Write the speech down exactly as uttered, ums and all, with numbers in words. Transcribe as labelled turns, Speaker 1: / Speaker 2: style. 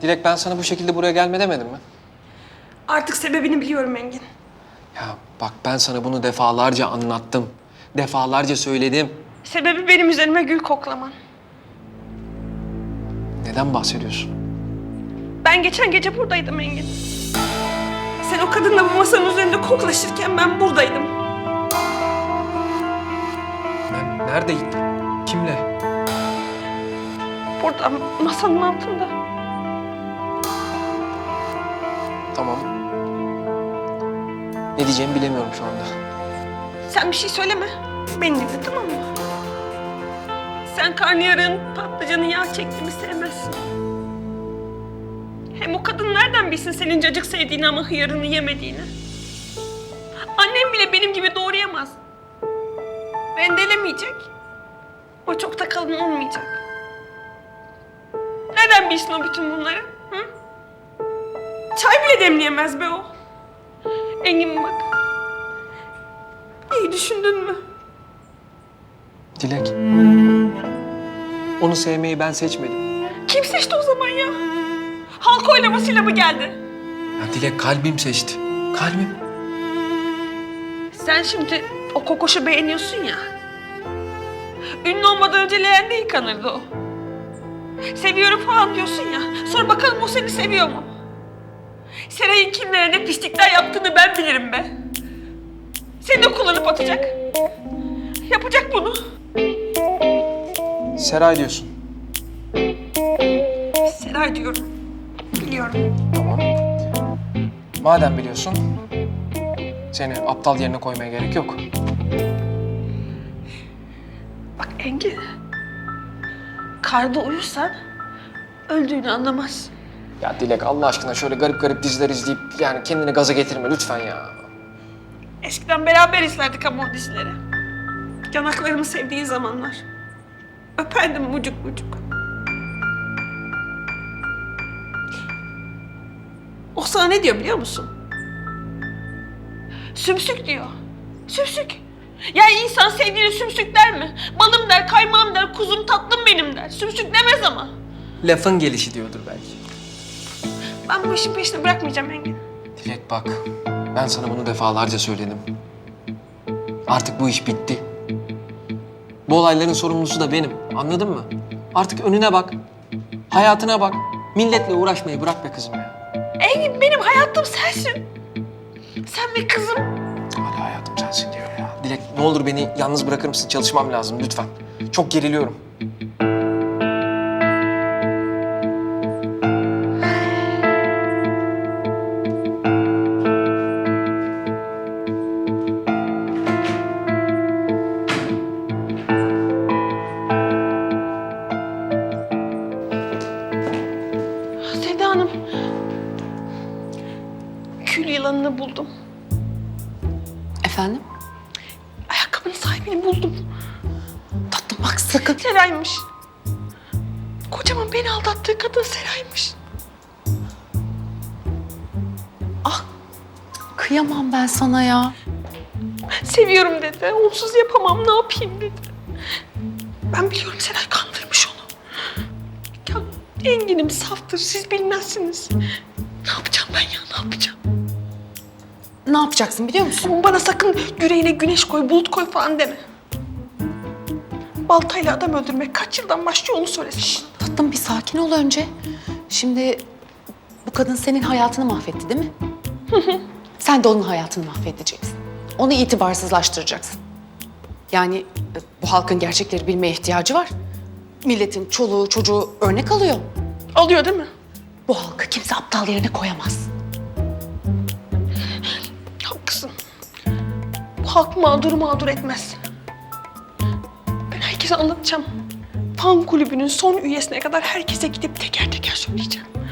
Speaker 1: Dilek, ben sana bu şekilde buraya gelme demedim mi?
Speaker 2: Artık sebebini biliyorum Engin.
Speaker 1: Ya bak, ben sana bunu defalarca anlattım. Defalarca söyledim.
Speaker 2: Sebebi benim üzerime gül koklaman.
Speaker 1: Neden bahsediyorsun?
Speaker 2: Ben geçen gece buradaydım Engin. Sen o kadınla bu masanın üzerinde koklaşırken ben buradaydım.
Speaker 1: Ben neredeyim? Kimle?
Speaker 2: Burada, masanın altında.
Speaker 1: Tamam. Ne diyeceğimi bilemiyorum şu anda.
Speaker 2: Sen bir şey söyleme. Beni dinle, tamam mı? Sen karnıyarığın patlıcanı yağ çektiğimi sevmezsin. Hem o kadın nereden bilsin senin cacık sevdiğini ama hıyarını yemediğini? Annem bile benim gibi doğrayamaz. Rendelemeyecek. O çok da kalın olmayacak. Nereden bilsin o bütün bunları? Hı? Çay bile demleyemez be o. Engin bak. İyi düşündün mü?
Speaker 1: Dilek. Onu sevmeyi ben seçmedim.
Speaker 2: Kim seçti o zaman ya? Halk oylamasıyla mı geldi?
Speaker 1: Ya Dilek, kalbim seçti. Kalbim.
Speaker 2: Sen şimdi o kokoşu beğeniyorsun ya. Ünlü olmadan önce leğende yıkanırdı o. Seviyorum falan diyorsun ya. Sonra bakalım o seni seviyor mu? Seray'ın kimlere ne pislikler yaptığını ben bilirim be. Seni de kullanıp atacak. Yapacak bunu.
Speaker 1: Seray diyorsun.
Speaker 2: Seray diyorum. Biliyorum.
Speaker 1: Tamam. Madem biliyorsun, seni aptal yerine koymaya gerek yok.
Speaker 2: Bak Engin. Karda uyursan öldüğünü anlamaz.
Speaker 1: Ya Dilek, Allah aşkına şöyle garip garip diziler izleyip yani kendini gaza getirme lütfen ya.
Speaker 2: Eskiden beraber izlerdik ama o dizileri. Yanaklarımı sevdiği zamanlar. Öperdim bucuk bucuk. O sana ne diyor biliyor musun? Sümsük diyor. Sümsük. Ya insan sevdiğini sümsük der mi? Balım der, kaymağım der, kuzum tatlım benim der. Sümsük demez ama.
Speaker 1: Lafın gelişi diyordur belki.
Speaker 2: Ben bu işin peşini bırakmayacağım Engin.
Speaker 1: Dilek bak, ben sana bunu defalarca söyledim. Artık bu iş bitti. Bu olayların sorumlusu da benim, anladın mı? Artık önüne bak, hayatına bak. Milletle uğraşmayı bırak be kızım ya.
Speaker 2: Engin benim hayatım sensin. Sen ve kızım.
Speaker 1: Hala hayatım sensin diyor ya. Dilek, ne olur beni yalnız bırakır mısın? Çalışmam lazım lütfen. Çok geriliyorum.
Speaker 2: Seda Hanım. Kül yılanını buldum.
Speaker 3: Efendim?
Speaker 2: Ayakkabının sahibini buldum.
Speaker 3: Tatlım bak sakın.
Speaker 2: Seray'mış. Kocaman beni aldattığı kadın Seray'mış.
Speaker 3: Ah kıyamam ben sana ya.
Speaker 2: Seviyorum dedi. Onsuz yapamam, ne yapayım dedi. Ben biliyorum Seray kandırmış onu. Ya Engin'im saftır, siz bilmezsiniz. Ne yapacağım ben ya, ne yapacağım?
Speaker 3: Ne yapacaksın biliyor musun?
Speaker 2: Bana sakın yüreğine güneş koy, bulut koy falan deme. Baltayla adam öldürmek kaç yıldan başlıyor onu söylesin.
Speaker 3: Tatlım bir sakin ol önce. Şimdi bu kadın senin hayatını mahvetti değil mi? Sen de onun hayatını mahvedeceksin. Onu itibarsızlaştıracaksın. Yani e, bu halkın gerçekleri bilmeye ihtiyacı var. Milletin çoluğu çocuğu örnek alıyor.
Speaker 2: Alıyor değil mi?
Speaker 3: Bu halkı kimse aptal yerine koyamaz.
Speaker 2: Haklısın. Bu halk mağduru mağdur etmez. Ben herkese anlatacağım. Fan kulübünün son üyesine kadar herkese gidip teker teker söyleyeceğim.